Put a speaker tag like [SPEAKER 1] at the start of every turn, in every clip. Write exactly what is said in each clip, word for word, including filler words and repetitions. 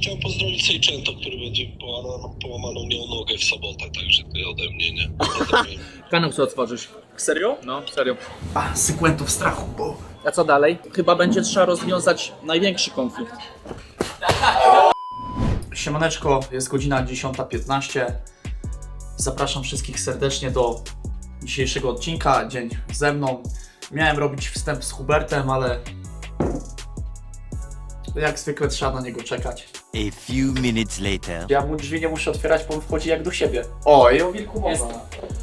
[SPEAKER 1] chciałem pozdrowić Sejczęto, który będzie połamaną, połamaną miał nogę w sobotę, także ty ode mnie, nie? Ode mnie.
[SPEAKER 2] Kanał chcę otworzyć.
[SPEAKER 3] Serio?
[SPEAKER 2] No, serio.
[SPEAKER 3] A, sekwentów strachu, bo...
[SPEAKER 2] A co dalej? Chyba będzie trzeba rozwiązać największy konflikt.
[SPEAKER 3] Siemaneczko, jest godzina dziesiąta piętnaście. Zapraszam wszystkich serdecznie do dzisiejszego odcinka, dzień ze mną. Miałem robić wstęp z Hubertem, ale jak zwykle trzeba na niego czekać.
[SPEAKER 4] A few minutes later.
[SPEAKER 3] Ja mu drzwi nie muszę otwierać, bo on wchodzi jak do siebie. O, i o wilku mowa.
[SPEAKER 2] Jest.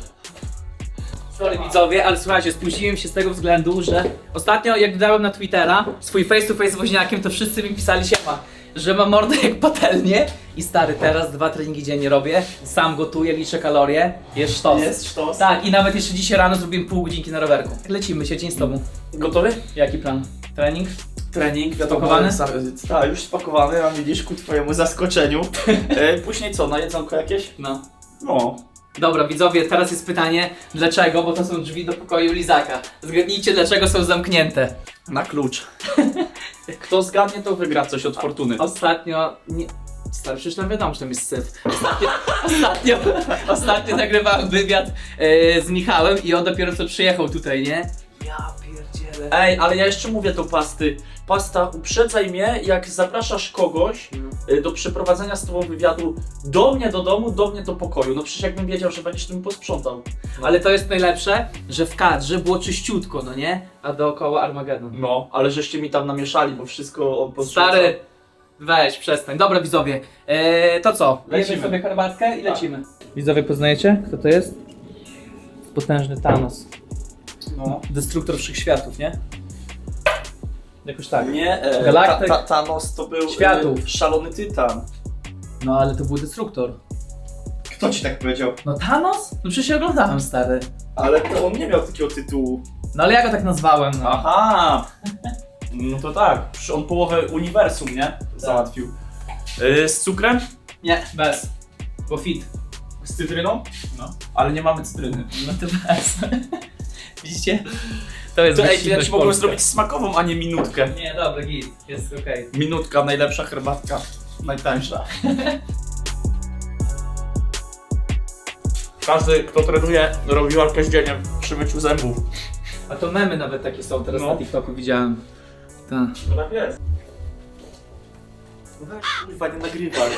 [SPEAKER 2] Sorry widzowie, ale słuchajcie, spóźniłem się z tego względu, że ostatnio jak dodałem na Twittera swój face to face z woźniakiem, to wszyscy mi pisali siema, że mam mordę jak patelnię i stary, teraz dwa treningi dziennie robię, sam gotuję, liczę kalorie, jest sztos.
[SPEAKER 3] Jest sztos?
[SPEAKER 2] Tak, i nawet jeszcze dzisiaj rano zrobiłem pół godzinki na rowerku. Lecimy się, dzień z tobą.
[SPEAKER 3] Gotowy?
[SPEAKER 2] Jaki plan? Trening?
[SPEAKER 3] Trening, wiadomo.
[SPEAKER 2] Spakowany?
[SPEAKER 3] Tak, już spakowany, a widzisz ku twojemu zaskoczeniu. E, później co, na jedzonko jakieś?
[SPEAKER 2] No.
[SPEAKER 3] No.
[SPEAKER 2] Dobra widzowie, teraz jest pytanie, dlaczego, bo to są drzwi do pokoju Lizaka. Zgadnijcie, dlaczego są zamknięte.
[SPEAKER 3] Na klucz. Kto zgadnie, to wygra coś od fortuny.
[SPEAKER 2] Ostatnio, nie... Stary, przecież tam wiadomo, że tam jest syf. Ostatnio, ostatnio, ostatnio nagrywałem wywiad e, z Michałem i on dopiero co przyjechał tutaj, nie? Ja pierdzielę.
[SPEAKER 3] Ej, ale ja jeszcze mówię do pasty. Pasta, uprzedzaj mnie, jak zapraszasz kogoś y, do przeprowadzenia z tobą wywiadu do mnie do domu, do mnie do pokoju. No przecież jakbym wiedział, że będziesz tym posprzątał.
[SPEAKER 2] Ale to jest najlepsze, że w kadrze było czyściutko, no nie? A dookoła Armagedon.
[SPEAKER 3] No, ale żeście mi tam namieszali, bo wszystko on posprzątał.
[SPEAKER 2] Stary, weź, przestań. Dobra widzowie, eee, to co?
[SPEAKER 3] Lecimy.
[SPEAKER 2] Lecimy sobie herbatkę i lecimy. Widzowie, poznajecie? Kto to jest? Potężny Thanos.
[SPEAKER 3] No.
[SPEAKER 2] Destruktor wszechświatów, nie? Jakoś tak.
[SPEAKER 3] Nie, e,
[SPEAKER 2] Galaktyk.
[SPEAKER 3] ta, ta, Thanos to był
[SPEAKER 2] Światów.
[SPEAKER 3] E, szalony tytan.
[SPEAKER 2] No ale to był destruktor.
[SPEAKER 3] Kto ci tak powiedział?
[SPEAKER 2] No Thanos? No przecież ja oglądałem, stary.
[SPEAKER 3] Ale to on nie miał takiego tytułu.
[SPEAKER 2] No ale ja go tak nazwałem, no.
[SPEAKER 3] Aha! No to tak, przecież on połowę uniwersum, nie? Załatwił. Y, z cukrem?
[SPEAKER 2] Nie, bez. Bo fit.
[SPEAKER 3] Z cytryną? No. Ale nie mamy cytryny.
[SPEAKER 2] No to bez. Widzicie? To jest
[SPEAKER 3] To ej, to ja
[SPEAKER 2] gościnność
[SPEAKER 3] ci mogłem
[SPEAKER 2] polska.
[SPEAKER 3] zrobić smakową, a nie minutkę.
[SPEAKER 2] Nie, dobra, git. Jest okej.
[SPEAKER 3] Minutka, najlepsza herbatka. Najtańsza. Każdy, kto trenuje, robi walkę z dzieniem przy myciu zębów.
[SPEAKER 2] A to memy nawet takie są, teraz
[SPEAKER 3] No.
[SPEAKER 2] na TikToku widziałem. Tak.
[SPEAKER 3] No tak jest. No weź, kurwa, nie nagrywaj.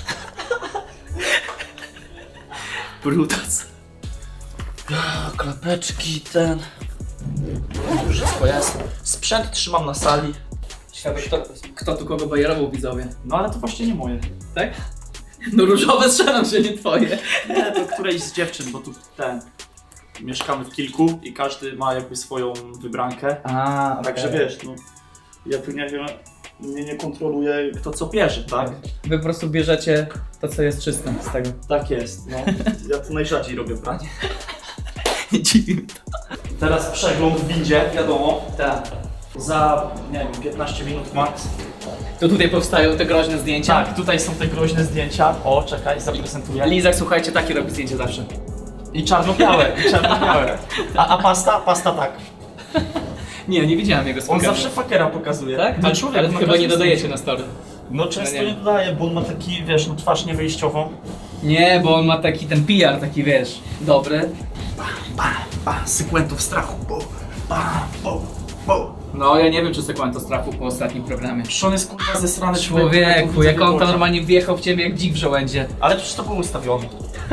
[SPEAKER 3] Brutas. Klapeczki, ten... Już wszystko jest. Sprzęt trzymam na sali.
[SPEAKER 2] Ciekawe, kto, kto tu kogo bajerował, widzowie.
[SPEAKER 3] No ale to właśnie nie moje.
[SPEAKER 2] Tak? No różowe strzelam, że nie twoje.
[SPEAKER 3] Nie, to którejś z dziewczyn, bo tu ten... Mieszkamy w kilku i każdy ma jakby swoją wybrankę.
[SPEAKER 2] A,
[SPEAKER 3] Także wiesz, no... Ja tu nie wiem... Nie, nie kontroluję kto co bierze, tak?
[SPEAKER 2] Wy po prostu bierzecie to, co jest czyste z tego.
[SPEAKER 3] Tak jest, no. Ja tu najrzadziej robię pranie.
[SPEAKER 2] Nie dziwi mnie to.
[SPEAKER 3] Teraz przegląd w windzie, wiadomo.
[SPEAKER 2] Tak.
[SPEAKER 3] Za, nie wiem, piętnaście minut max.
[SPEAKER 2] To tutaj powstają te groźne zdjęcia.
[SPEAKER 3] Tak, tutaj są te groźne zdjęcia. O, czekaj, zaprezentuję.
[SPEAKER 2] Lizak, słuchajcie, takie robi zdjęcie zawsze.
[SPEAKER 3] I czarno-białe, i czarno-białe. A, a pasta? Pasta tak.
[SPEAKER 2] Nie, nie widziałem jego
[SPEAKER 3] On
[SPEAKER 2] spotkania.
[SPEAKER 3] zawsze fakera pokazuje.
[SPEAKER 2] Tak?
[SPEAKER 3] No
[SPEAKER 2] Ale,
[SPEAKER 3] człowiek
[SPEAKER 2] ale
[SPEAKER 3] ma
[SPEAKER 2] chyba
[SPEAKER 3] każdy
[SPEAKER 2] nie dodajecie
[SPEAKER 3] zdjęcie.
[SPEAKER 2] na story.
[SPEAKER 3] No często
[SPEAKER 2] No nie.
[SPEAKER 3] nie dodaje, bo on ma taki, wiesz, no twarz niewyjściową.
[SPEAKER 2] Nie, bo on ma taki ten P R, taki wiesz, dobry.
[SPEAKER 3] Ba, ba, sekwentów strachu, bo, ba, bo, bo.
[SPEAKER 2] No, ja nie wiem, czy sekwento strachu po ostatnim programie.
[SPEAKER 3] Przecież on jest kurwa zesrany
[SPEAKER 2] Człowieku, jak on tam normalnie wjechał w ciebie jak dzik w żołędzie.
[SPEAKER 3] Ale przecież to było ustawione.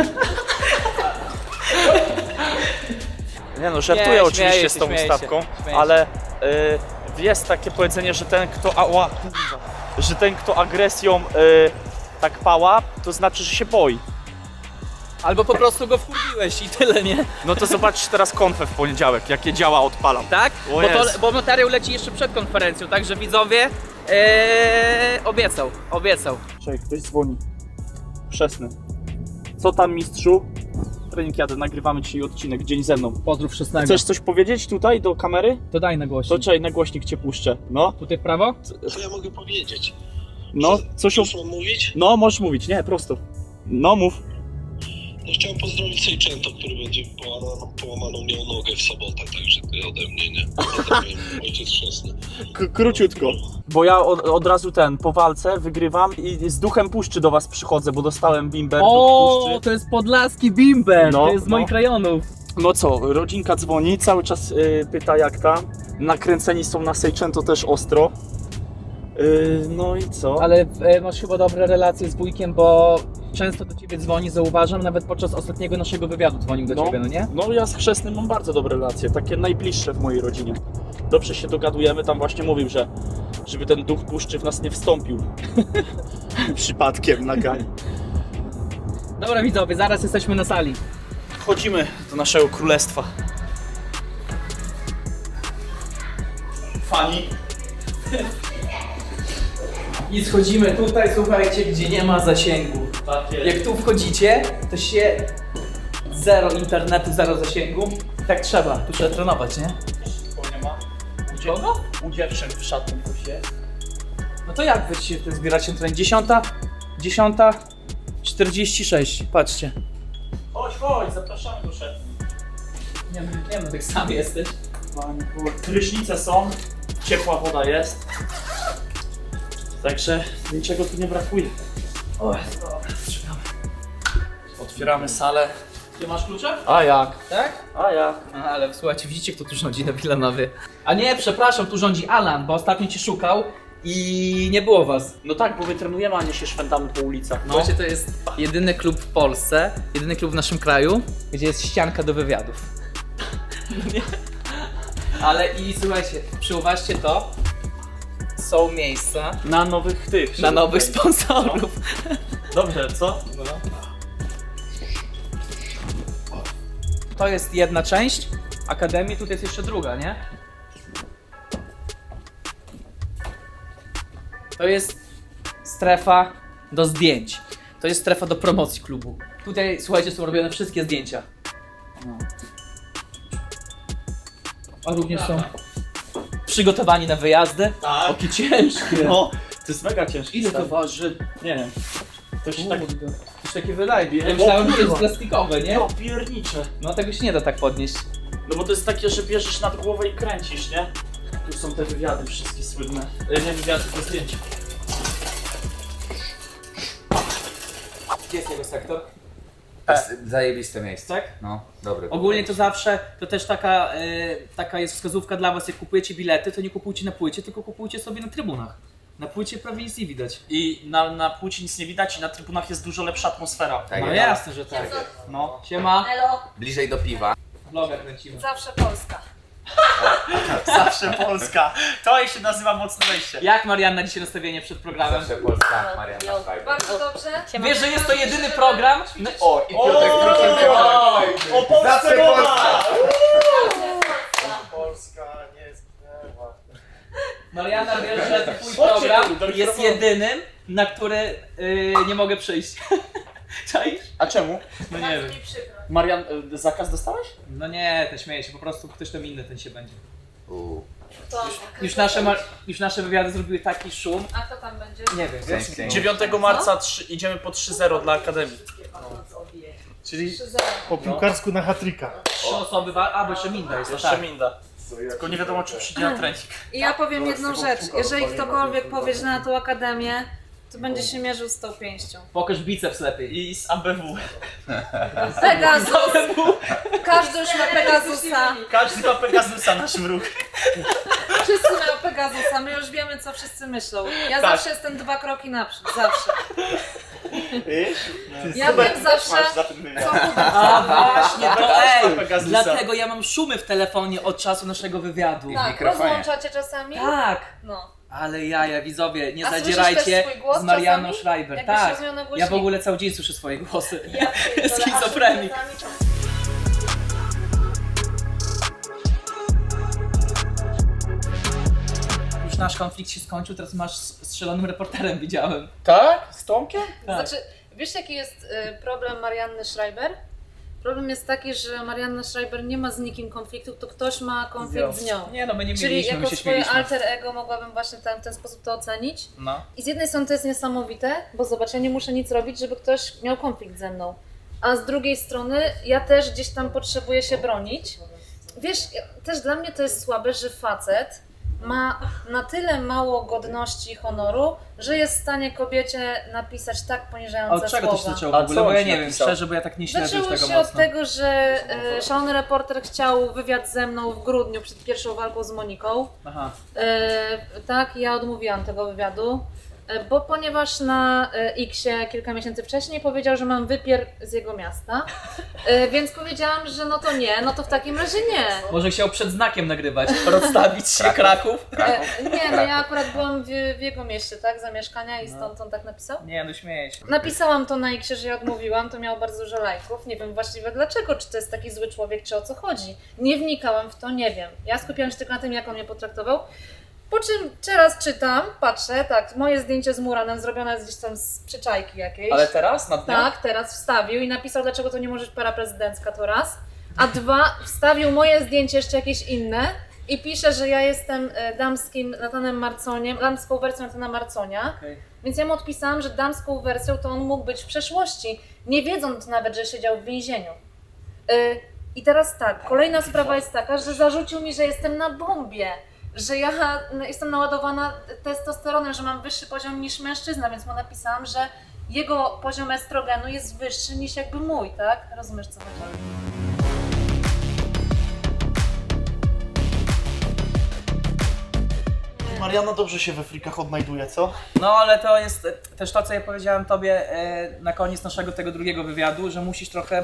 [SPEAKER 3] Nie no, żartuję
[SPEAKER 2] Nie,
[SPEAKER 3] oczywiście
[SPEAKER 2] śmieję
[SPEAKER 3] z
[SPEAKER 2] się,
[SPEAKER 3] tą
[SPEAKER 2] śmieję się,
[SPEAKER 3] ustawką,
[SPEAKER 2] śmieję
[SPEAKER 3] ale y, jest takie powiedzenie, że ten kto ała, kurwa, że ten kto agresją y, tak pała, to znaczy, że się boi.
[SPEAKER 2] Albo po prostu go wkurwiłeś i tyle, nie?
[SPEAKER 3] No to zobaczysz teraz konfę w poniedziałek, jakie działa odpalam.
[SPEAKER 2] Tak?
[SPEAKER 3] O
[SPEAKER 2] Bo, to,
[SPEAKER 3] jest.
[SPEAKER 2] bo materiał leci jeszcze przed konferencją, także widzowie ee, obiecał, obiecał.
[SPEAKER 3] Czekaj, ktoś dzwoni. Wczesny. Co tam mistrzu? Trening jadę, nagrywamy dzisiaj odcinek, dzień ze mną.
[SPEAKER 2] Pozdrów szesnego.
[SPEAKER 3] Chcesz coś powiedzieć tutaj do kamery?
[SPEAKER 2] To daj na
[SPEAKER 3] To
[SPEAKER 2] głośnik.
[SPEAKER 3] czekaj, na głośnik cię puszczę. No,
[SPEAKER 2] Tutaj w prawo?
[SPEAKER 1] Co ja mogę powiedzieć?
[SPEAKER 3] no, coś o...
[SPEAKER 1] Już mam mówić?
[SPEAKER 3] No, możesz mówić, nie, prosto. No, mów.
[SPEAKER 1] No chciałem pozdrowić Sejczęto, który będzie połamaną, połamaną miał nogę w sobotę, także ty ode mnie, nie? Pozdrawiam, ojciec chrzestny.
[SPEAKER 5] K- króciutko.
[SPEAKER 3] Bo ja od, od razu ten, po walce wygrywam i z duchem puszczy do was przychodzę, bo dostałem bimber do
[SPEAKER 2] O,
[SPEAKER 3] puszczy.
[SPEAKER 2] to jest podlaski bimber,
[SPEAKER 3] No,
[SPEAKER 2] to jest z moich
[SPEAKER 3] no.
[SPEAKER 2] rejonów.
[SPEAKER 3] No co, rodzinka dzwoni, cały czas y, pyta jak tam. Nakręceni są na Sejczęto też ostro. Y, no i co?
[SPEAKER 2] Ale e, masz chyba dobre relacje z wujkiem, bo często do ciebie dzwoni, zauważam, nawet podczas ostatniego naszego wywiadu dzwonił do
[SPEAKER 3] No.
[SPEAKER 2] ciebie, no nie?
[SPEAKER 3] No ja z chrzestnym mam bardzo dobre relacje, takie najbliższe w mojej rodzinie. Dobrze się dogadujemy, tam właśnie mówił, że żeby ten duch puszczy w nas nie wstąpił.
[SPEAKER 5] Przypadkiem na gali.
[SPEAKER 2] Dobra widzowie, zaraz jesteśmy na sali.
[SPEAKER 3] Wchodzimy do naszego królestwa. Fani.
[SPEAKER 2] I schodzimy tutaj, słuchajcie, gdzie nie ma zasięgu. Jak tu wchodzicie, to się zero internetu, zero zasięgu. Tak trzeba, tu trzeba trenować, nie?
[SPEAKER 3] nie ma.
[SPEAKER 2] U kogo?
[SPEAKER 3] U dziewczyn w szatni coś jest.
[SPEAKER 2] No to jak wy się tu zbieracie tutaj? Dziesiąta? Dziesiąta? czterdzieści sześć, patrzcie.
[SPEAKER 3] Chodź, chodź, zapraszamy do szatni.
[SPEAKER 2] Nie wiem, nie wiem, tak sam jesteś.
[SPEAKER 3] Prysznice są, ciepła woda jest. Także niczego tu nie brakuje.
[SPEAKER 2] O, dobra, trzymamy.
[SPEAKER 3] Otwieramy salę.
[SPEAKER 2] Ty masz klucze?
[SPEAKER 3] A jak?
[SPEAKER 2] Tak?
[SPEAKER 3] A jak?
[SPEAKER 2] A, ale słuchajcie, widzicie kto tu rządzi na Wilanowie? A nie, przepraszam, tu rządzi Alan, bo ostatnio cię szukał i nie było was.
[SPEAKER 3] No tak, bo my trenujemy, a nie się szwendamy po ulicach. No.
[SPEAKER 2] Słuchajcie, to jest jedyny klub w Polsce, jedyny klub w naszym kraju, gdzie jest ścianka do wywiadów. Ale i słuchajcie, przyuważcie to, są miejsca
[SPEAKER 3] Na nowych tych.
[SPEAKER 2] na nowych sponsorów.
[SPEAKER 3] Dobrze, co?
[SPEAKER 2] To jest jedna część Akademii, tutaj jest jeszcze druga, nie? To jest strefa do zdjęć. To jest strefa do promocji klubu. Tutaj, słuchajcie, są robione wszystkie zdjęcia. No. A również są przygotowani na wyjazdy.
[SPEAKER 3] Tak.
[SPEAKER 2] Okie ciężkie.
[SPEAKER 3] No, to jest mega ciężkie.
[SPEAKER 2] Ile to
[SPEAKER 3] stary.
[SPEAKER 2] waży?
[SPEAKER 3] Nie wiem. To się tak...
[SPEAKER 2] Kurde. Coś takie wydaje. Ja
[SPEAKER 3] O
[SPEAKER 2] myślałem, że to jest
[SPEAKER 3] kurwa.
[SPEAKER 2] plastikowe, nie?
[SPEAKER 3] No, piernicze.
[SPEAKER 2] No tego się nie da tak podnieść.
[SPEAKER 3] No bo to jest takie, że bierzesz nad głowę i kręcisz, nie? Tu są te wywiady wszystkie słynne. E, Nie wywiady, tylko zdjęcia.
[SPEAKER 2] Gdzie jest jego sektor?
[SPEAKER 6] Zajebiste miejsce.
[SPEAKER 2] Tak?
[SPEAKER 6] No, dobry.
[SPEAKER 2] Ogólnie to zawsze, to też taka, y, taka jest wskazówka dla was, jak kupujecie bilety, to nie kupujcie na płycie, tylko kupujcie sobie na trybunach. Na płycie prawie nic nie widać.
[SPEAKER 3] I na, na płci nic nie widać i na trybunach jest dużo lepsza atmosfera.
[SPEAKER 6] Tak
[SPEAKER 2] No
[SPEAKER 6] jest.
[SPEAKER 2] jasne, że tak. No, siema.
[SPEAKER 7] Elo,
[SPEAKER 6] Bliżej do piwa.
[SPEAKER 2] Vloga kręcimy.
[SPEAKER 7] zawsze Polska.
[SPEAKER 3] Zawsze Polska. To się nazywa mocne wejście.
[SPEAKER 2] Jak Marianna dzisiaj nastawienie przed programem?
[SPEAKER 6] Zawsze Polska, Marianna
[SPEAKER 7] Jo,
[SPEAKER 6] Fajna.
[SPEAKER 7] bardzo dobrze.
[SPEAKER 2] Wiesz, że jest to jedyny program? No,
[SPEAKER 6] O, i
[SPEAKER 3] O,
[SPEAKER 6] Piotrek Druszynka.
[SPEAKER 3] o, o Polsce
[SPEAKER 6] Zawsze
[SPEAKER 3] mowa!
[SPEAKER 6] Polska.
[SPEAKER 5] Polska nie zginęła.
[SPEAKER 2] Marianna, wiesz, że twój
[SPEAKER 3] Chodźcie
[SPEAKER 2] program
[SPEAKER 3] tu, do
[SPEAKER 2] jest
[SPEAKER 3] mikrofonu.
[SPEAKER 2] jedynym, na który y, nie mogę przyjść. Czaisz?
[SPEAKER 3] A czemu?
[SPEAKER 2] No nie
[SPEAKER 7] Bardzo
[SPEAKER 2] wiem.
[SPEAKER 7] mi przykro.
[SPEAKER 3] Marian, y, zakaz dostałeś?
[SPEAKER 2] No nie, to śmieję się, po prostu ktoś tam inny ten się będzie.
[SPEAKER 6] U,
[SPEAKER 7] To,
[SPEAKER 2] Już nasze, ma- już nasze wywiady zrobiły taki szum.
[SPEAKER 7] A kto tam będzie?
[SPEAKER 2] Nie wiem,
[SPEAKER 6] Dzięki,
[SPEAKER 2] wiesz?
[SPEAKER 6] dzięki.
[SPEAKER 3] dziewiątego marca trzy, idziemy po trzy zero dla Akademii.
[SPEAKER 5] Czyli
[SPEAKER 7] trzy zero.
[SPEAKER 5] po piłkarsku na hatryka.
[SPEAKER 2] Trzy osoby, wa- a bo jeszcze Minda jest,
[SPEAKER 3] Jeszcze
[SPEAKER 2] tak.
[SPEAKER 3] Minda. Tylko nie wiadomo, czy przyjdzie na trening.
[SPEAKER 7] I ja powiem jedną rzecz. Jeżeli ktokolwiek powie, że na tą akademię, to będzie się mierzył z tą pięścią.
[SPEAKER 2] Pokaż biceps lepiej.
[SPEAKER 3] I z A B W.
[SPEAKER 7] Pegasus! Każdy już ma Pegasusa.
[SPEAKER 3] Każdy ma Pegasusa, nasz wróg.
[SPEAKER 7] Wszyscy mają Pegasusa. My już wiemy, co wszyscy myślą. Ja
[SPEAKER 3] Tak.
[SPEAKER 7] zawsze jestem dwa kroki naprzód. Zawsze.
[SPEAKER 5] Wiesz?
[SPEAKER 7] Ja wiem zawsze, co uda.
[SPEAKER 2] A właśnie, to
[SPEAKER 3] Pokaż
[SPEAKER 2] ej!
[SPEAKER 3] Pegasusa.
[SPEAKER 2] Dlatego ja mam szumy w telefonie od czasu naszego wywiadu.
[SPEAKER 7] Tak,
[SPEAKER 6] mikrofonie.
[SPEAKER 7] rozłączacie czasami?
[SPEAKER 2] Tak!
[SPEAKER 7] No.
[SPEAKER 2] Ale jaja, widzowie, nie
[SPEAKER 7] A słyszysz
[SPEAKER 2] zadzierajcie
[SPEAKER 7] też swój głos
[SPEAKER 2] z Marianną
[SPEAKER 7] czasami?
[SPEAKER 2] Schreiber.
[SPEAKER 7] Jakbyś
[SPEAKER 2] Tak,
[SPEAKER 7] rozmawiał na
[SPEAKER 2] ja w
[SPEAKER 7] głośnik.
[SPEAKER 2] ogóle cały dzień słyszę swoje głosy.
[SPEAKER 7] Ja pierdolę, a
[SPEAKER 2] Schizofrenik.
[SPEAKER 7] czasami-
[SPEAKER 2] Już nasz konflikt się skończył, teraz masz z z szalonym reporterem, widziałem.
[SPEAKER 3] Tak? Z Tomkiem?
[SPEAKER 2] Tak.
[SPEAKER 7] Znaczy, wiesz jaki jest y, problem Marianny Schreiber? Problem jest taki, że Marianna Schreiber nie ma z nikim konfliktu, to ktoś ma konflikt z nią.
[SPEAKER 2] Nie no, my nie
[SPEAKER 7] Czyli
[SPEAKER 2] mieliśmy, my
[SPEAKER 7] jako
[SPEAKER 2] się
[SPEAKER 7] swoje
[SPEAKER 2] śmieliśmy.
[SPEAKER 7] alter ego mogłabym właśnie ten, w ten sposób to ocenić.
[SPEAKER 2] No.
[SPEAKER 7] I z jednej strony to jest niesamowite, bo zobacz, ja nie muszę nic robić, żeby ktoś miał konflikt ze mną. a z drugiej strony ja też gdzieś tam potrzebuję się bronić. Wiesz, też dla mnie to jest słabe, że facet ma na tyle mało godności i honoru, że jest w stanie kobiecie napisać tak
[SPEAKER 2] A
[SPEAKER 7] poniżające
[SPEAKER 2] od czego to się
[SPEAKER 7] słowa.
[SPEAKER 2] zaczęło w
[SPEAKER 3] A
[SPEAKER 2] ogóle?
[SPEAKER 3] co
[SPEAKER 2] Bo
[SPEAKER 3] on
[SPEAKER 2] ja
[SPEAKER 3] ci
[SPEAKER 2] nie wiem,
[SPEAKER 3] napisał?
[SPEAKER 2] szczerze, bo ja tak nie śledzę
[SPEAKER 7] Zaczęło
[SPEAKER 2] już tego
[SPEAKER 7] się od
[SPEAKER 2] mocno.
[SPEAKER 7] tego, że e, szalony reporter chciał wywiad ze mną w grudniu przed pierwszą walką z Moniką.
[SPEAKER 2] Aha.
[SPEAKER 7] E, tak, ja odmówiłam tego wywiadu, e, bo ponieważ na e, X-ie kilka miesięcy wcześniej powiedział, że mam wypier z jego miasta, e, więc powiedziałam, że no to nie, no to w takim razie nie.
[SPEAKER 2] Może chciał przed znakiem nagrywać, rozstawić się Kraków.
[SPEAKER 7] E, nie, no ja akurat byłam w, w jego mieście, tak, zamieszkania i stąd on tak napisał.
[SPEAKER 2] Nie, no śmieję się.
[SPEAKER 7] Napisałam to na X-ie, że ja odmówiłam, to miało bardzo dużo lajków. Nie wiem właściwie dlaczego, czy to jest taki zły człowiek, czy o co chodzi. Nie wnikałam w to, nie wiem. Ja skupiałam się tylko na tym, jak on mnie potraktował. Po czym teraz czytam, patrzę, tak, moje zdjęcie z Muranem zrobione jest gdzieś tam z przyczajki jakiejś.
[SPEAKER 3] Ale teraz? Na dniach?
[SPEAKER 7] Tak, teraz wstawił i napisał, dlaczego to nie może być para prezydencka, to raz. A dwa, wstawił moje zdjęcie, jeszcze jakieś inne i pisze, że ja jestem e, damskim Natanem Marconiem, damską wersją Natana Marconia.
[SPEAKER 2] Okej.
[SPEAKER 7] Więc ja mu odpisałam, że damską wersją to on mógł być w przeszłości, nie wiedząc nawet, że siedział w więzieniu. Y, I teraz tak, kolejna sprawa jest taka, że zarzucił mi, że jestem na bombie, że ja no, jestem naładowana testosteronem, że mam wyższy poziom niż mężczyzna, więc mu napisałam, że jego poziom estrogenu jest wyższy niż jakby mój, tak? Rozumiesz, co chodzi?
[SPEAKER 5] Mariana dobrze się we frikach odnajduje, co?
[SPEAKER 2] No ale to jest e, też to, co ja powiedziałem tobie e, na koniec naszego tego drugiego wywiadu, że musisz trochę,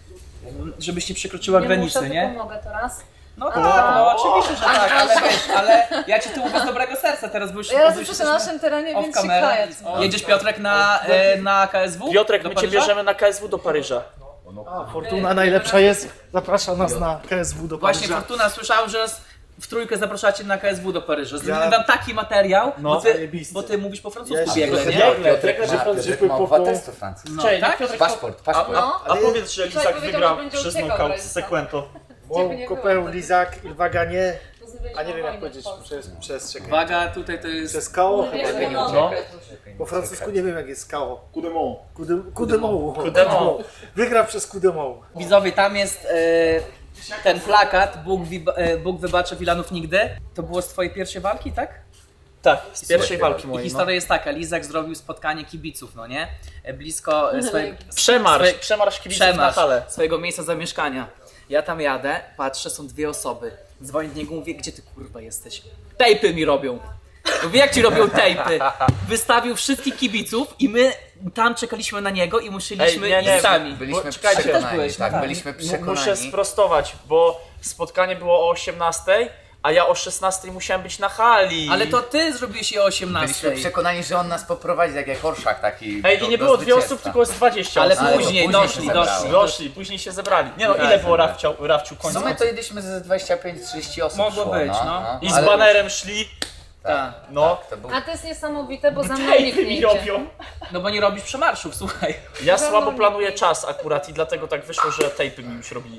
[SPEAKER 2] m, żebyś nie przekroczyła
[SPEAKER 7] Nie
[SPEAKER 2] granicy,
[SPEAKER 7] muszę,
[SPEAKER 2] nie?
[SPEAKER 7] tylko mogę teraz.
[SPEAKER 2] No
[SPEAKER 7] A.
[SPEAKER 2] tak, no oczywiście, że tak, ale wiesz, ale ja ci tu mówię z dobrego serca teraz, bo już
[SPEAKER 7] Ja
[SPEAKER 2] bo już
[SPEAKER 7] jesteśmy na
[SPEAKER 2] jesteśmy
[SPEAKER 7] naszym terenie,
[SPEAKER 2] off
[SPEAKER 7] więc się
[SPEAKER 2] camera.
[SPEAKER 7] kaję.
[SPEAKER 2] Jedziesz Piotrek na, e, na K S W?
[SPEAKER 3] Piotrek,
[SPEAKER 2] Do
[SPEAKER 3] my cię
[SPEAKER 2] Paryża?
[SPEAKER 3] bierzemy na K S W do Paryża.
[SPEAKER 5] A, Fortuna najlepsza jest, zaprasza nas na K S W do
[SPEAKER 2] Właśnie
[SPEAKER 5] Paryża.
[SPEAKER 2] Fortuna, słyszałem, że nas w trójkę zapraszacie na K S W do Paryża. Zrobimy
[SPEAKER 5] Ja-
[SPEAKER 2] wam taki materiał,
[SPEAKER 3] No.
[SPEAKER 2] bo, ty,
[SPEAKER 5] Zajebisty.
[SPEAKER 2] bo ty mówisz po francusku
[SPEAKER 5] Ja się
[SPEAKER 2] biegle,
[SPEAKER 5] trochę
[SPEAKER 2] nie?
[SPEAKER 5] nie-
[SPEAKER 6] Piotrek
[SPEAKER 5] Piotrek
[SPEAKER 6] ma,
[SPEAKER 5] ma-
[SPEAKER 6] Piotrek
[SPEAKER 5] po-
[SPEAKER 6] ma
[SPEAKER 5] po-
[SPEAKER 6] obywatelstwo francuskie.
[SPEAKER 2] No,
[SPEAKER 3] Cześć,
[SPEAKER 2] tak?
[SPEAKER 3] Piotrek,
[SPEAKER 6] Paszport, paszport.
[SPEAKER 7] No.
[SPEAKER 5] Ale
[SPEAKER 3] powiedz, że
[SPEAKER 7] Lizak
[SPEAKER 3] Lizak
[SPEAKER 7] powiedział,
[SPEAKER 3] wygrał
[SPEAKER 7] że będzie
[SPEAKER 3] przez
[SPEAKER 7] uciekał
[SPEAKER 3] nokaut
[SPEAKER 7] w
[SPEAKER 3] z
[SPEAKER 7] rejsa.
[SPEAKER 3] Sekwento.
[SPEAKER 5] Wow,
[SPEAKER 7] nie
[SPEAKER 5] Kopeł,
[SPEAKER 7] było.
[SPEAKER 5] Lizak, Ilwaga nie.
[SPEAKER 7] Pozbyłeś
[SPEAKER 5] A nie
[SPEAKER 7] się
[SPEAKER 5] wiem jak
[SPEAKER 7] wojny
[SPEAKER 5] powiedzieć
[SPEAKER 7] w Polsce.
[SPEAKER 5] przez, przez czekaj.
[SPEAKER 2] Uwaga, tutaj to jest...
[SPEAKER 5] Przez koło
[SPEAKER 7] Wiesz,
[SPEAKER 5] chyba.
[SPEAKER 7] no,
[SPEAKER 3] No.
[SPEAKER 5] Po francusku nie wiem jak jest koło.
[SPEAKER 8] Kudemont.
[SPEAKER 5] Kudemou.
[SPEAKER 3] Kudemont.
[SPEAKER 5] Wygra przez Kudemou.
[SPEAKER 2] Widzowie, tam jest e, ten plakat, Bóg, wi- e, Bóg wybaczy Wilanów nigdy. To było z twojej pierwszej walki, tak?
[SPEAKER 3] Tak, z pierwszej walki
[SPEAKER 2] I
[SPEAKER 3] mojej. No.
[SPEAKER 2] historia jest taka, Lizak zrobił spotkanie kibiców, no nie? E, Blisko e, swojego...
[SPEAKER 3] Przemarsz,
[SPEAKER 2] swe-
[SPEAKER 3] przemarsz kibiców na
[SPEAKER 2] Przemarsz
[SPEAKER 3] halę.
[SPEAKER 2] swojego miejsca zamieszkania. Ja tam jadę, patrzę, są dwie osoby. Dzwonię do niego, mówię, gdzie ty kurwa jesteś? Tejpy mi robią. Mówię, jak ci robią tejpy? Wystawił wszystkich kibiców i my tam czekaliśmy na niego i musieliśmy
[SPEAKER 3] Ej, nie, nie,
[SPEAKER 2] iść sami.
[SPEAKER 6] Byliśmy
[SPEAKER 3] Bo- czekajcie,
[SPEAKER 2] też
[SPEAKER 6] przekonani,
[SPEAKER 2] byłeś, no
[SPEAKER 6] tak,
[SPEAKER 2] tak.
[SPEAKER 6] byliśmy
[SPEAKER 3] M-
[SPEAKER 6] przekonani.
[SPEAKER 3] Muszę sprostować, bo spotkanie było o osiemnastej, a ja o szesnastej musiałem być na hali.
[SPEAKER 2] Ale to ty zrobiłeś je o osiemnastej.
[SPEAKER 6] Byliśmy przekonani, że on nas poprowadzi tak jak orszak taki.
[SPEAKER 3] Ej,
[SPEAKER 6] do-
[SPEAKER 3] i nie
[SPEAKER 6] do
[SPEAKER 3] było dwie
[SPEAKER 6] zwycięstwa.
[SPEAKER 3] osób, tylko jest dwadzieścia
[SPEAKER 2] Ale
[SPEAKER 3] osób.
[SPEAKER 6] Ale
[SPEAKER 2] później
[SPEAKER 6] to
[SPEAKER 2] doszli,
[SPEAKER 6] się zebrało.
[SPEAKER 2] doszli.
[SPEAKER 3] Doszli, później się zebrali. Nie no,
[SPEAKER 2] Tak,
[SPEAKER 3] ile było
[SPEAKER 2] tak.
[SPEAKER 3] Rafciu, Rafciu
[SPEAKER 6] W
[SPEAKER 3] końca?
[SPEAKER 6] sumie to jedliśmy ze dwadzieścia pięć trzydzieści osób.
[SPEAKER 2] Mogło
[SPEAKER 6] szło,
[SPEAKER 2] być, no.
[SPEAKER 6] no.
[SPEAKER 3] I z
[SPEAKER 6] Ale-
[SPEAKER 3] banerem szli,
[SPEAKER 2] Tak.
[SPEAKER 3] no.
[SPEAKER 6] Tak, to był...
[SPEAKER 7] A to jest niesamowite, bo za mną nikt
[SPEAKER 3] Tejpy
[SPEAKER 7] nie
[SPEAKER 3] mi
[SPEAKER 7] idzie.
[SPEAKER 3] robią.
[SPEAKER 2] No bo nie robisz przemarszów, słuchaj.
[SPEAKER 3] Ja
[SPEAKER 7] Za
[SPEAKER 3] słabo
[SPEAKER 7] mną
[SPEAKER 3] planuję
[SPEAKER 7] nikt nie
[SPEAKER 3] czas akurat i dlatego tak wyszło, że tejpy mi już robili.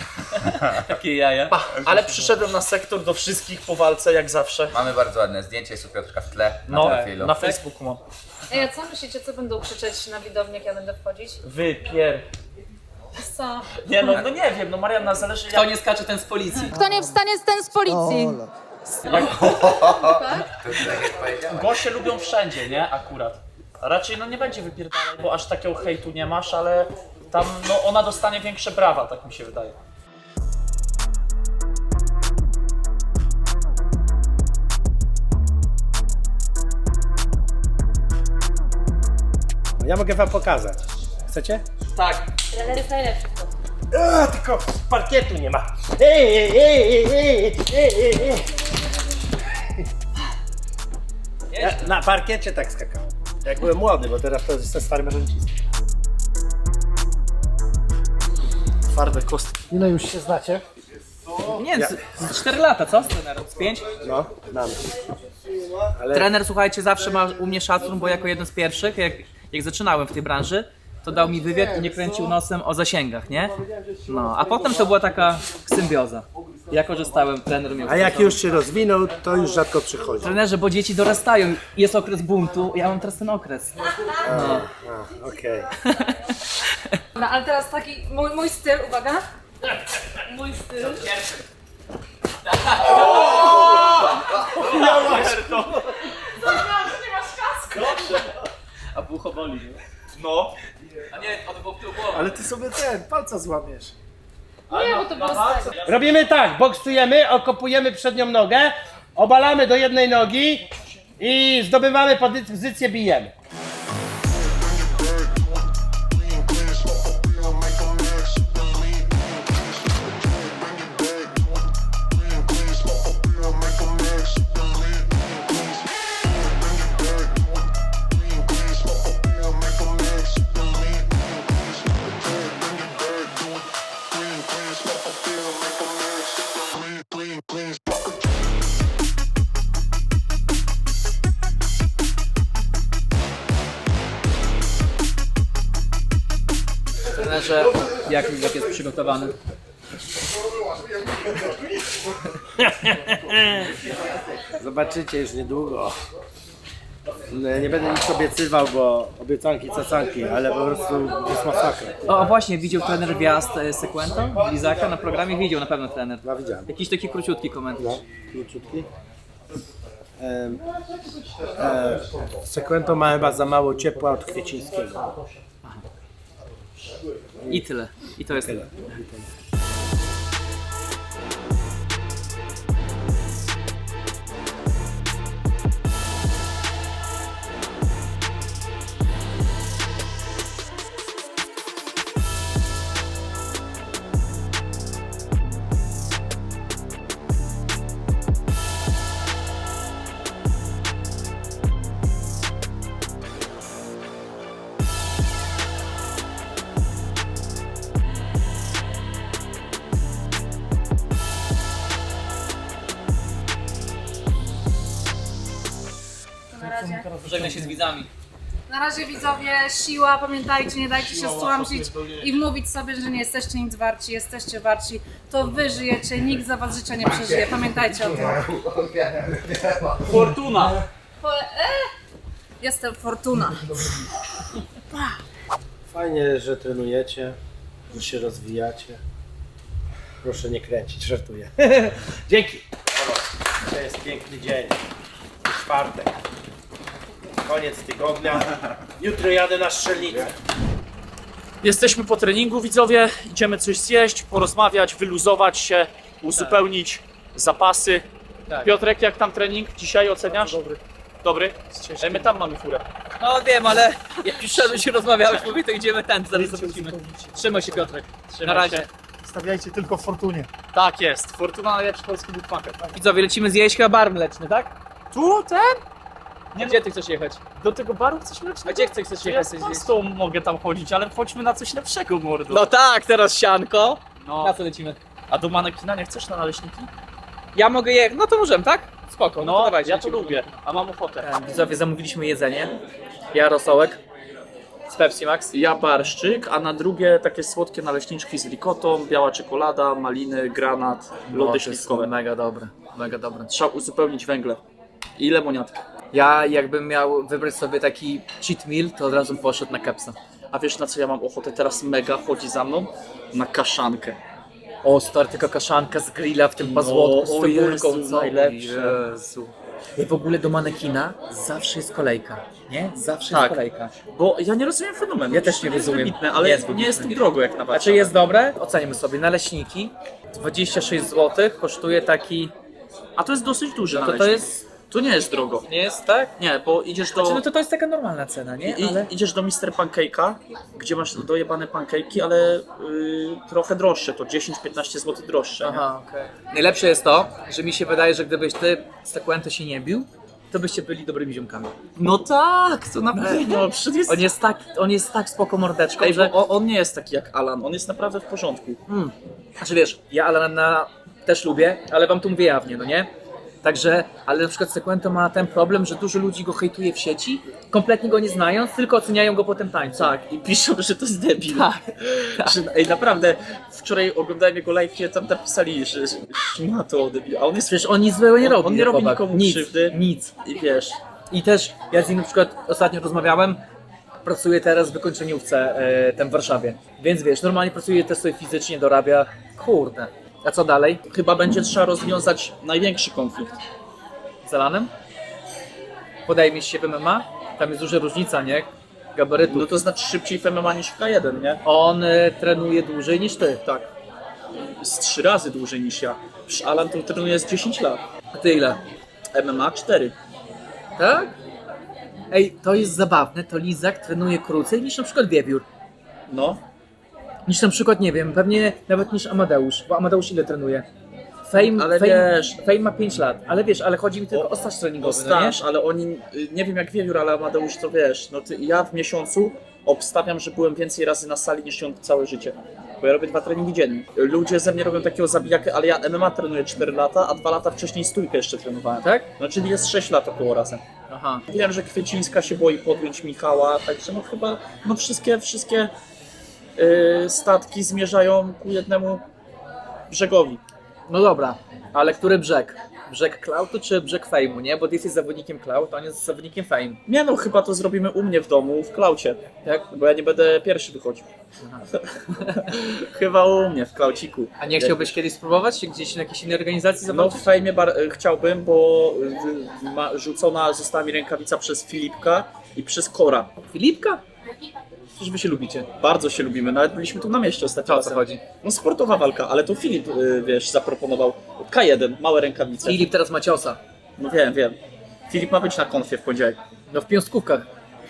[SPEAKER 2] Takie jaja.
[SPEAKER 3] Pa, ale przyszedłem na sektor do wszystkich po walce, jak zawsze.
[SPEAKER 6] Mamy bardzo ładne zdjęcie, jest u Piotrka w tle na
[SPEAKER 3] No,
[SPEAKER 6] profilu.
[SPEAKER 3] na Facebooku mam.
[SPEAKER 7] Ej, a co myślicie, co będą krzyczeć na widowni, jak ja będę wchodzić?
[SPEAKER 3] Wypier...
[SPEAKER 7] Co?
[SPEAKER 3] Nie no, no nie wiem, no Marianna, zależy
[SPEAKER 2] Kto
[SPEAKER 3] jak...
[SPEAKER 2] nie skacze, ten z policji.
[SPEAKER 7] Kto nie wstanie, ten z policji.
[SPEAKER 6] To tak jak powiedziałem.
[SPEAKER 3] Goście lubią wszędzie, nie? Akurat. A raczej no nie będzie wypierdalać, bo aż takiego hejtu nie masz, ale tam no ona dostanie większe brawa, tak mi się wydaje.
[SPEAKER 5] Ja mogę wam pokazać. Chcecie?
[SPEAKER 3] Tak.
[SPEAKER 7] Trener jest najlepszy.
[SPEAKER 5] A, tylko parkietu nie ma. Ej, ej, ej, ej, ej, ej, ej, ej. Ja na parkiecie tak skakałem. Jak byłem młody, bo teraz to jestem starym mężczyzną. Twarde kostki. Ile już się znacie?
[SPEAKER 2] Nie, z, z cztery lata, co? Z trenerem? Z pięć?
[SPEAKER 5] No, nam. Ale
[SPEAKER 2] Trener, słuchajcie, zawsze ma u mnie szacun, bo jako jeden z pierwszych, jak, jak zaczynałem w tej branży, to dał mi wywiad i nie kręcił nosem o zasięgach, nie? No, a potem to była taka symbioza. Ja korzystałem, trener miał.
[SPEAKER 5] A jak już się rozwinął, to już rzadko przychodzi.
[SPEAKER 2] Trenerze, bo dzieci dorastają, jest okres buntu, ja mam teraz ten okres.
[SPEAKER 5] A, okej.
[SPEAKER 7] No, ale teraz taki mój, mój styl, uwaga. Mój styl.
[SPEAKER 2] A bucho boli, nie?
[SPEAKER 3] No.
[SPEAKER 2] A nie, on był w tył głowy.
[SPEAKER 5] Ale ty sobie ten, palca złamiesz.
[SPEAKER 7] Nie, bo to było z tego.
[SPEAKER 5] Robimy tak, boksujemy, okopujemy przednią nogę, obalamy do jednej nogi i zdobywamy pozycję, bijemy.
[SPEAKER 2] Trenerze, jak, jak jest przygotowany?
[SPEAKER 5] Zobaczycie już niedługo. No, nie będę nic obiecywał, bo obiecanki cacanki, ale po prostu jest masakra.
[SPEAKER 2] O, a właśnie, widział trener wjazd e, Sekwento, Lizaka na programie? Widział na pewno trener.
[SPEAKER 5] No widziałem.
[SPEAKER 2] Jakiś taki króciutki komentarz.
[SPEAKER 5] No, króciutki. Ehm, e, Sekwento ma chyba za mało ciepła od Kwiecińskiego.
[SPEAKER 2] I tyle. I to jest tyle.
[SPEAKER 7] Na razie.
[SPEAKER 2] Żegnaj się z widzami.
[SPEAKER 7] Na razie widzowie, siła, pamiętajcie, nie dajcie się stłamsić i wmówić sobie, że nie jesteście nic warci, jesteście warci, to wy żyjecie, nikt za was życia nie przeżyje, pamiętajcie o tym.
[SPEAKER 3] Fortuna.
[SPEAKER 7] Po, e? Jestem Fortuna.
[SPEAKER 5] Fajnie, że trenujecie, że się rozwijacie. Proszę nie kręcić, żartuję. Dzięki. To jest piękny dzień. Czwartek. Koniec tygodnia. Jutro jadę na strzelnicę.
[SPEAKER 3] Jesteśmy po treningu, widzowie. Idziemy coś zjeść, porozmawiać, wyluzować się, uzupełnić zapasy.
[SPEAKER 2] Tak.
[SPEAKER 3] Piotrek, jak tam trening dzisiaj oceniasz? Dobry. Dobry? Ej, my tam mamy furę.
[SPEAKER 2] No wiem, ale jak już szedłeś i rozmawiałeś, mówię, to idziemy ten, zaraz zobaczymy. Trzymaj się, Piotrek. Na razie.
[SPEAKER 3] się.
[SPEAKER 8] Stawiajcie tylko w Fortunie.
[SPEAKER 3] Tak jest. Fortuna, najlepszy polski bookmaker.
[SPEAKER 2] Widzowie, lecimy zjeść chyba bar mleczny, tak?
[SPEAKER 3] Tu, ten?
[SPEAKER 2] Nie, gdzie ty chcesz jechać?
[SPEAKER 3] Do tego baru chcesz lecieć?
[SPEAKER 2] A gdzie chcesz, chcesz
[SPEAKER 3] Ja
[SPEAKER 2] jechać?
[SPEAKER 3] z
[SPEAKER 2] coś zjeść?
[SPEAKER 3] pastą mogę tam chodzić, ale chodźmy na coś lepszego, mordo.
[SPEAKER 2] No tak, teraz sianko.
[SPEAKER 3] No.
[SPEAKER 2] Na co lecimy?
[SPEAKER 3] A do manekina nie chcesz na naleśniki?
[SPEAKER 2] Ja mogę jechać, no to możemy, tak? Spoko, no, to
[SPEAKER 3] No,
[SPEAKER 2] dawajcie.
[SPEAKER 3] ja to
[SPEAKER 2] lecimy.
[SPEAKER 3] lubię, a mam ochotę.
[SPEAKER 2] Widzowie, zamówiliśmy jedzenie. Ja rosołek z Pepsi Max.
[SPEAKER 3] Ja barszczyk, a na drugie takie słodkie naleśniczki z ricotą, biała czekolada, maliny, granat, lody
[SPEAKER 2] to jest
[SPEAKER 3] śliwkowe.
[SPEAKER 2] mega dobre, mega dobre.
[SPEAKER 3] Trzeba uzupełnić węgle. I lemoniatkę.
[SPEAKER 2] Ja jakbym miał wybrać sobie taki cheat meal, to od razu bym poszedł na kepsa.
[SPEAKER 3] A wiesz na co ja mam ochotę teraz mega chodzi za mną? Na kaszankę.
[SPEAKER 2] O, stary, tylko kaszanka z grilla w tym pazłotku z
[SPEAKER 3] o
[SPEAKER 2] cebulką,
[SPEAKER 3] Jezu,
[SPEAKER 2] co?
[SPEAKER 3] najlepsze.
[SPEAKER 2] Jezu. I w ogóle do manekina zawsze jest kolejka, nie? Zawsze
[SPEAKER 3] Tak.
[SPEAKER 2] jest kolejka.
[SPEAKER 3] Bo ja nie rozumiem fenomenu.
[SPEAKER 2] Ja też nie
[SPEAKER 3] To jest
[SPEAKER 2] rozumiem.
[SPEAKER 3] wybitne, ale
[SPEAKER 2] Jest
[SPEAKER 3] nie
[SPEAKER 2] wybitne.
[SPEAKER 3] jest to drogo jak na Warszawę.
[SPEAKER 2] Znaczy jest dobre? Ocenimy sobie. Naleśniki dwadzieścia sześć złotych kosztuje taki...
[SPEAKER 3] A to jest dosyć duży
[SPEAKER 2] No to to
[SPEAKER 3] naleśnik.
[SPEAKER 2] jest...
[SPEAKER 3] To nie jest drogo.
[SPEAKER 2] Nie jest tak?
[SPEAKER 3] Nie, bo idziesz do...
[SPEAKER 2] Znaczy, no to to jest taka normalna cena, nie?
[SPEAKER 3] I,
[SPEAKER 2] Ale...
[SPEAKER 3] Idziesz do mister Pancake'a, gdzie masz dojebane pancake'i, ale y, trochę droższe, to dziesięć piętnaście złotych droższe. nie?
[SPEAKER 2] Aha, okej. Najlepsze jest to, że mi się wydaje, że gdybyś ty z Sekwento się nie bił, to byście byli dobrymi ziomkami.
[SPEAKER 3] No tak, to na pewno. Przecież jest...
[SPEAKER 2] On jest tak, on jest tak spoko mordeczką,
[SPEAKER 3] Ej,
[SPEAKER 2] że...
[SPEAKER 3] bo on, on nie jest taki jak Alan, on jest naprawdę w porządku.
[SPEAKER 2] Mm. Znaczy wiesz, ja Alana też lubię, ale wam tu mówię jawnie, no nie? Także, ale na przykład Sequento ma ten problem, że dużo ludzi go hejtuje w sieci, kompletnie go nie znając, tylko oceniają go po tym tańcu.
[SPEAKER 3] Tak, i piszą, że to jest debil.
[SPEAKER 2] Tak, tak.
[SPEAKER 3] Że, ej, naprawdę, wczoraj oglądałem jego live, tam napisali, że szmato debil, a on jest...
[SPEAKER 2] Przecież on nic złego nie
[SPEAKER 3] On-
[SPEAKER 2] robi.
[SPEAKER 3] on nie robi
[SPEAKER 2] chłopak.
[SPEAKER 3] nikomu
[SPEAKER 2] nic,
[SPEAKER 3] krzywdy.
[SPEAKER 2] Nic.
[SPEAKER 3] I wiesz,
[SPEAKER 2] I też ja z nim na przykład ostatnio rozmawiałem, pracuję teraz w wykończeniówce e, tam w Warszawie. Więc wiesz, normalnie pracuje też sobie fizycznie, dorabia. Kurde. A co dalej?
[SPEAKER 3] chyba będzie trzeba rozwiązać największy konflikt.
[SPEAKER 2] Z Alanem? Podejmie się w M M A? Tam jest duża różnica, nie? Gabarytu.
[SPEAKER 3] No to znaczy szybciej w M M A niż w K jeden, nie?
[SPEAKER 2] On e, trenuje dłużej niż ty.
[SPEAKER 3] Tak. Z trzy razy dłużej niż ja. Przecież Alan to trenuje z dziesięć lat.
[SPEAKER 2] A ty ile?
[SPEAKER 3] M M A cztery.
[SPEAKER 2] Tak? Ej, to jest zabawne, to Lizak trenuje krócej niż na przykład Wiewiór.
[SPEAKER 3] No.
[SPEAKER 2] Niż na przykład, nie wiem, pewnie nawet niż Amadeusz, bo Amadeusz ile trenuje? Fame,
[SPEAKER 3] Ale
[SPEAKER 2] Fame,
[SPEAKER 3] wiesz-
[SPEAKER 2] Fame ma pięć lat, ale wiesz, ale chodzi mi tylko o,
[SPEAKER 3] O-
[SPEAKER 2] staż
[SPEAKER 3] No
[SPEAKER 2] treningowy, no nie?
[SPEAKER 3] staż, ale oni, y, nie wiem jak Wiewiór, ale Amadeusz to wiesz, no ty, ja w miesiącu obstawiam, że byłem więcej razy na sali niż on całe życie. Bo ja robię dwa treningi dziennie. Ludzie ze mnie robią takiego zabijakę, ale ja M M A trenuję cztery lata, a dwa lata wcześniej stójkę jeszcze trenowałem.
[SPEAKER 2] Tak?
[SPEAKER 3] No czyli jest sześć lat około razem.
[SPEAKER 2] Aha.
[SPEAKER 3] Wiem, że Kwiecińska się boi podjąć Michała, także no chyba, no wszystkie, wszystkie yy, statki zmierzają ku jednemu brzegowi.
[SPEAKER 2] No dobra, ale który brzeg? Brzeg Cloudu czy brzeg Fame'u, nie? Bo ty jesteś zawodnikiem Cloud, a on jest zawodnikiem Fame.
[SPEAKER 3] Nie no, chyba to zrobimy u mnie w domu, w Klaucie,
[SPEAKER 2] Tak?
[SPEAKER 3] bo ja nie będę pierwszy wychodził. Chyba u mnie, w Klauciku.
[SPEAKER 2] A nie chciałbyś kiedyś spróbować gdzieś na jakiejś innej organizacji
[SPEAKER 3] No
[SPEAKER 2] zobaczyć?
[SPEAKER 3] w fejmie bar- chciałbym, bo y, ma, rzucona została mi rękawica przez Filipka i przez Kora.
[SPEAKER 2] Filipka? Przecież wy się lubicie.
[SPEAKER 3] Bardzo się lubimy, nawet byliśmy tu na mieście ostatnio.
[SPEAKER 2] To o co
[SPEAKER 3] razem.
[SPEAKER 2] chodzi?
[SPEAKER 3] No sportowa walka, ale to Filip, y, wiesz, zaproponował K jeden, małe rękawice.
[SPEAKER 2] Filip teraz ma ciosa.
[SPEAKER 3] No wiem, wiem. Filip ma być na konfie w poniedziałek.
[SPEAKER 2] No w piąstkówkach.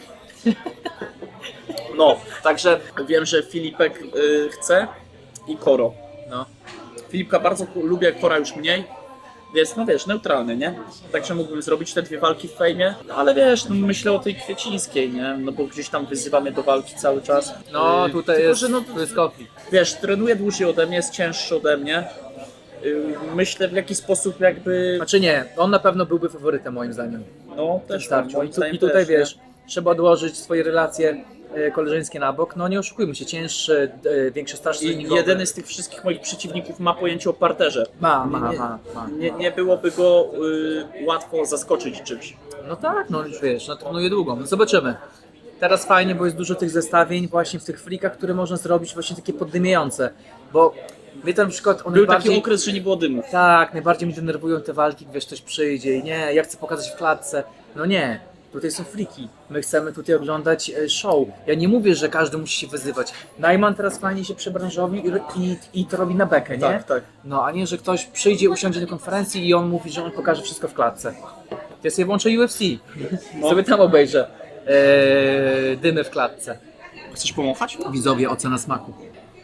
[SPEAKER 3] No, także wiem, że Filipek y, chce i Koro.
[SPEAKER 2] No.
[SPEAKER 3] Filipka bardzo ku- lubię, Kora już mniej. Więc no wiesz, neutralny, nie? Także mógłbym zrobić te dwie walki w fejmie, ale wiesz, no myślę o tej Kwiecińskiej, nie? No bo gdzieś tam wyzywa mnie do walki cały czas.
[SPEAKER 2] No
[SPEAKER 3] Y,
[SPEAKER 2] tutaj
[SPEAKER 3] tylko,
[SPEAKER 2] jest,
[SPEAKER 3] że no,
[SPEAKER 2] tu jest konflikt.
[SPEAKER 3] wiesz, trenuje dłużej ode mnie, jest cięższy ode mnie. Y, myślę w jaki sposób jakby,
[SPEAKER 2] Znaczy nie, on na pewno byłby faworytem moim zdaniem.
[SPEAKER 3] no też
[SPEAKER 2] Wystarczy.
[SPEAKER 3] moim
[SPEAKER 2] I, tu,
[SPEAKER 3] zdaniem
[SPEAKER 2] I tutaj
[SPEAKER 3] też, nie?
[SPEAKER 2] wiesz, trzeba odłożyć swoje relacje e, koleżeńskie na bok. No nie oszukujmy się, cięższy, e, większy staż
[SPEAKER 3] I
[SPEAKER 2] treningowy.
[SPEAKER 3] jedyny z tych wszystkich moich przeciwników ma pojęcie o parterze.
[SPEAKER 2] Ma, ma,
[SPEAKER 3] Nie-
[SPEAKER 2] ma, ma.
[SPEAKER 3] Nie, nie byłoby go y, łatwo zaskoczyć czymś.
[SPEAKER 2] No tak, no już wiesz, no trenuje długo. No zobaczymy. Teraz fajnie, bo jest dużo tych zestawień właśnie w tych flikach, które można zrobić właśnie takie poddymiające. Bo mnie tam na przykład on
[SPEAKER 3] Był
[SPEAKER 2] najbardziej...
[SPEAKER 3] taki okres, że nie było dymu.
[SPEAKER 2] Tak, najbardziej mnie denerwują te walki, wiesz, ktoś przyjdzie i nie, ja chcę pokazać w klatce. No nie, tutaj są fliki. My chcemy tutaj oglądać e, show. Ja nie mówię, że każdy musi się wyzywać. Najman teraz fajnie się przebranżowił i, i, i to robi na bekę, nie?
[SPEAKER 3] Tak, tak.
[SPEAKER 2] No, a nie, że ktoś przyjdzie, usiądzie na konferencji i on mówi, że on pokaże wszystko w klatce. Ja sobie włączę U F C.
[SPEAKER 3] No.
[SPEAKER 2] Sobie tam obejrzę e, dymy w klatce.
[SPEAKER 3] Chcesz pomachać?
[SPEAKER 2] Widzowie, ocena smaku.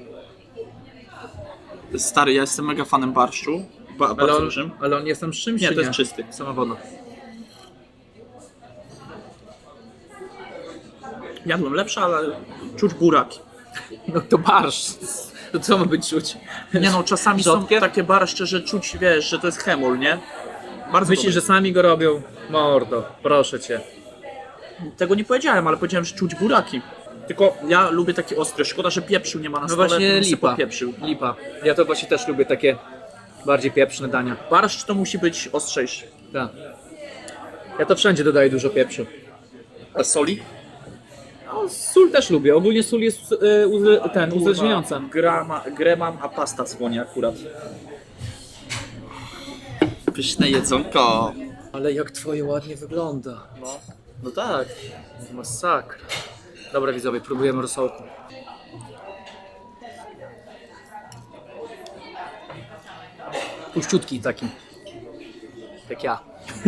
[SPEAKER 3] Stary, ja jestem mega fanem barszczu. Ba-
[SPEAKER 2] Ale
[SPEAKER 3] bardzo
[SPEAKER 2] on,
[SPEAKER 3] dużym.
[SPEAKER 2] ale on jest tam z czymś,
[SPEAKER 3] Nie,
[SPEAKER 2] czy
[SPEAKER 3] to jest czysty.
[SPEAKER 2] Sama woda.
[SPEAKER 3] Jadłem lepsze, ale czuć buraki.
[SPEAKER 2] No to barsz. To co ma być czuć?
[SPEAKER 3] Nie no, czasami
[SPEAKER 2] Rzodkiew?
[SPEAKER 3] są takie barszcze, że czuć, wiesz, że to jest hemol, nie? Bardzo
[SPEAKER 2] Myślisz, że
[SPEAKER 3] dobre.
[SPEAKER 2] sami go robią? Mordo, proszę cię.
[SPEAKER 3] Tego nie powiedziałem, ale powiedziałem, że czuć buraki. Tylko ja lubię takie ostre. Szkoda, że pieprzu nie ma na
[SPEAKER 2] No
[SPEAKER 3] stole,
[SPEAKER 2] właśnie
[SPEAKER 3] to bym sobie
[SPEAKER 2] lipa.
[SPEAKER 3] popieprzył.
[SPEAKER 2] Lipa. Ja to właśnie też lubię takie bardziej pieprzne dania.
[SPEAKER 3] Barszcz to musi być ostrzejszy.
[SPEAKER 2] Tak. Ja to wszędzie dodaję dużo pieprzu.
[SPEAKER 3] A soli?
[SPEAKER 2] No, sól też lubię. Ogólnie sól jest e, uze, ten, uzależniająca.
[SPEAKER 3] Grama, grę mam, a pasta słonia akurat. Pyszne jedzonko.
[SPEAKER 2] Ale jak twoje ładnie wygląda.
[SPEAKER 3] No, no tak.
[SPEAKER 2] Masakra. Dobra widzowie, próbujemy rosołku. Puściutki taki. Jak ja.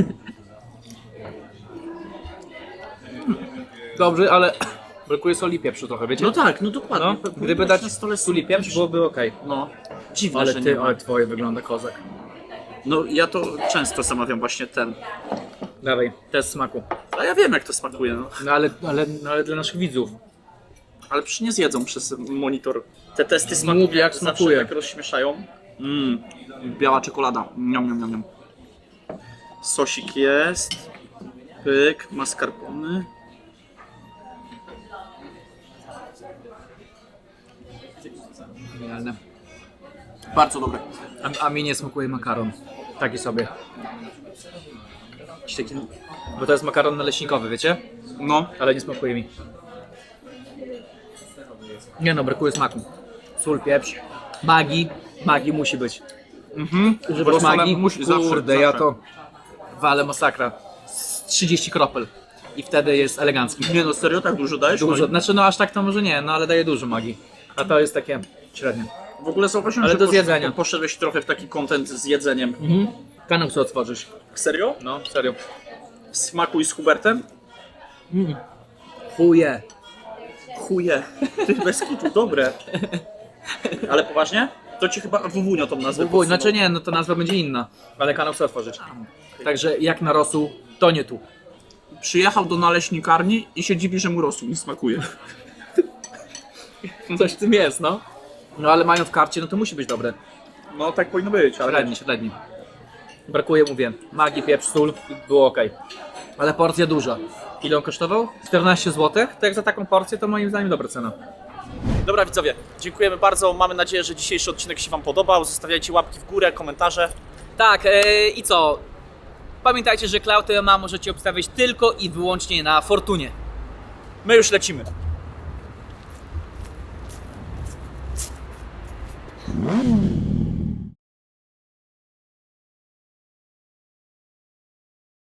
[SPEAKER 2] Dobrze, ale brakuje soli i pieprzu trochę, wiecie?
[SPEAKER 3] No tak, no dokładnie.
[SPEAKER 2] No,
[SPEAKER 3] Powinno
[SPEAKER 2] gdyby
[SPEAKER 3] być
[SPEAKER 2] dać
[SPEAKER 3] na stole
[SPEAKER 2] sól i pieprz, byłoby okej.
[SPEAKER 3] No, dziwne,
[SPEAKER 2] Ale
[SPEAKER 3] że
[SPEAKER 2] ty,
[SPEAKER 3] nie ma.
[SPEAKER 2] ale twoje wygląda kozak.
[SPEAKER 3] No ja to często zamawiam właśnie ten.
[SPEAKER 2] Dawaj, test smaku.
[SPEAKER 3] A ja wiem jak to smakuje, no.
[SPEAKER 2] No ale, ale, no, ale dla naszych widzów.
[SPEAKER 3] Ale przecież nie zjedzą przez monitor. Te testy smaku
[SPEAKER 2] Mów, jak
[SPEAKER 3] zawsze
[SPEAKER 2] smakuje.
[SPEAKER 3] tak rozśmieszają. Mmm, biała czekolada. Niam, niam, niam, niam. Sosik jest. Pyk, mascarpone.
[SPEAKER 2] Genialne.
[SPEAKER 3] Bardzo dobre.
[SPEAKER 2] A, a mi nie smakuje makaron. Taki sobie. Jakiś taki... Bo to jest makaron naleśnikowy, wiecie?
[SPEAKER 3] No,
[SPEAKER 2] Ale nie smakuje mi. Nie no, brakuje smaku. Sól, pieprz. Magii. Magii musi być.
[SPEAKER 3] mhm.
[SPEAKER 2] Używasz
[SPEAKER 3] Bo solem
[SPEAKER 2] magii?
[SPEAKER 3] musi, zawsze,
[SPEAKER 2] Kurde,
[SPEAKER 3] zawsze.
[SPEAKER 2] ja to walę masakra. Z trzydzieści kropel. I wtedy jest elegancki.
[SPEAKER 3] Nie no, serio, tak dużo dajesz?
[SPEAKER 2] Dużo.
[SPEAKER 3] No i-
[SPEAKER 2] Znaczy no aż tak to może nie, no ale daje dużo magii. A to jest takie średnie.
[SPEAKER 3] W ogóle zauważyłem,
[SPEAKER 2] Ale
[SPEAKER 3] że
[SPEAKER 2] do
[SPEAKER 3] posz-
[SPEAKER 2] zjedzenia.
[SPEAKER 3] poszedłeś trochę w taki content z jedzeniem.
[SPEAKER 2] Mhm. Kanał chcę otworzyć.
[SPEAKER 3] Serio?
[SPEAKER 2] No, serio.
[SPEAKER 3] Smakuj z Hubertem?
[SPEAKER 2] Chuje.
[SPEAKER 3] Chuje. Ty bez kitu, dobre. Ale poważnie? To ci chyba Wuwunio tą nazwę
[SPEAKER 2] Wuj,
[SPEAKER 3] podsunął.
[SPEAKER 2] znaczy nie, no to nazwa będzie inna. Ale kanał chcę otworzyć. Także jak na rosół, to nie tu.
[SPEAKER 3] Przyjechał do naleśnikarni i się dziwi, że mu rosół nie smakuje.
[SPEAKER 2] Coś w tym jest, no. No ale mają w karcie, no to musi być dobre.
[SPEAKER 3] No tak powinno być, ale...
[SPEAKER 2] Średni, średni. Brakuje, mówię, magii, pieprz, sól, było ok. Ale porcja duża. Ile on kosztował? czternaście złotych? To jak za taką porcję, to moim zdaniem dobra cena.
[SPEAKER 3] Dobra widzowie, dziękujemy bardzo. Mamy nadzieję, że dzisiejszy odcinek się wam podobał. Zostawiajcie łapki w górę, komentarze.
[SPEAKER 2] Tak, yy, i co? Pamiętajcie, że Cloud M A możecie obstawiać tylko i wyłącznie na Fortunie.
[SPEAKER 3] My już lecimy.
[SPEAKER 9] Mm.